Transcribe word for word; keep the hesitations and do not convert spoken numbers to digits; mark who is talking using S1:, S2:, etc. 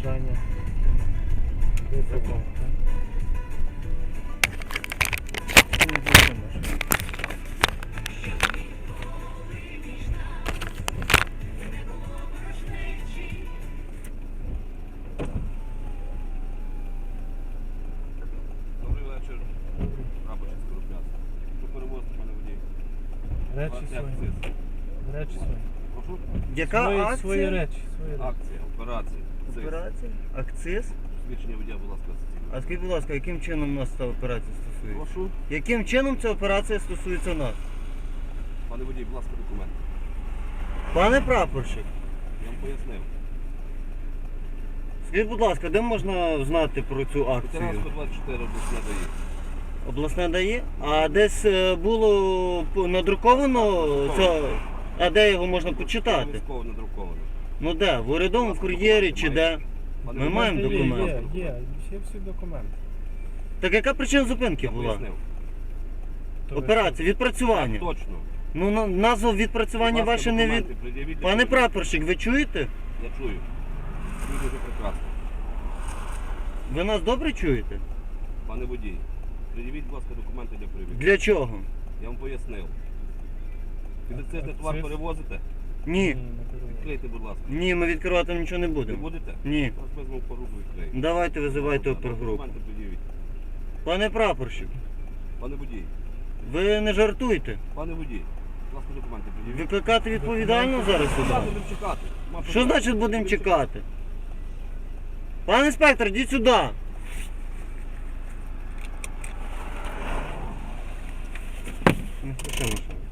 S1: бажання. Закон.
S2: Добрий вечір. Рабочий скоропляс. Що перевозити, пане водій?
S1: Речі свої. Речі свої.
S2: Прошу?
S3: Яка
S1: Свої,
S3: акція?
S1: свої речі. Свої речі.
S2: Акція, операція. Цис.
S3: Операція? Акциз?
S2: Свідчення водія, будь ласка,
S3: А скажіть, будь ласка, яким чином нас ця операція стосується?
S2: Прошу.
S3: Яким чином ця операція стосується нас?
S2: Пане водій, будь ласка, документ.
S3: Пане прапорщик,
S2: Я вам пояснив.
S3: скажіть, будь ласка, де можна знати про цю акцію?
S2: Ветерансько двадцять чотири обласне дає.
S3: Обласне дає? А десь е, було п- надруковано це. А де його можна почитати?
S2: Військово надруковано.
S3: Ну де? В урядовому кур'єрі чи де?
S2: Пане
S3: Ми
S2: водій,
S3: маємо
S1: Є,
S3: документи.
S1: Є, є, є всі документи.
S3: Так яка причина зупинки
S2: Я
S3: була?
S2: пояснив.
S1: То ви
S3: Операція, відпрацювання.
S2: Так, точно.
S3: Ну на- назва відпрацювання
S2: Будь ласка,
S3: ваше не від.
S2: документи пред'явіть,
S3: Пане
S2: я
S3: прапорщик, ви чуєте?
S2: Я чую. Чую дуже прекрасно.
S3: Ви нас добре чуєте?
S2: Пане водій, пред'явіть, будь ласка, документи для перевірки.
S3: Для чого?
S2: Я вам пояснив. Підакцизний
S1: А
S2: товар
S1: акциз?
S2: перевозите?
S3: Ні.
S1: не керуєте.
S2: Відкрийте, будь ласка.
S3: Ні, ми відкривати нічого не
S2: Не
S3: будемо.
S2: будете?
S3: Ні.
S2: Зараз візьмемо по руку відкриємо.
S3: Давайте визивайте опергрупу.
S2: Документи пред'явіть.
S3: Пане прапорщик,
S2: Пане водій,
S3: ви не жартуйте.
S2: пане водій, будь ласка, документи пред'явіть.
S3: Викликати відповідально зараз
S2: Будь ласка,
S3: сюди?
S2: будемо чекати. Нема
S3: Що
S2: проблем.
S3: значить будемо чекати? Пане інспектор, йдіть сюди. Не хочемо.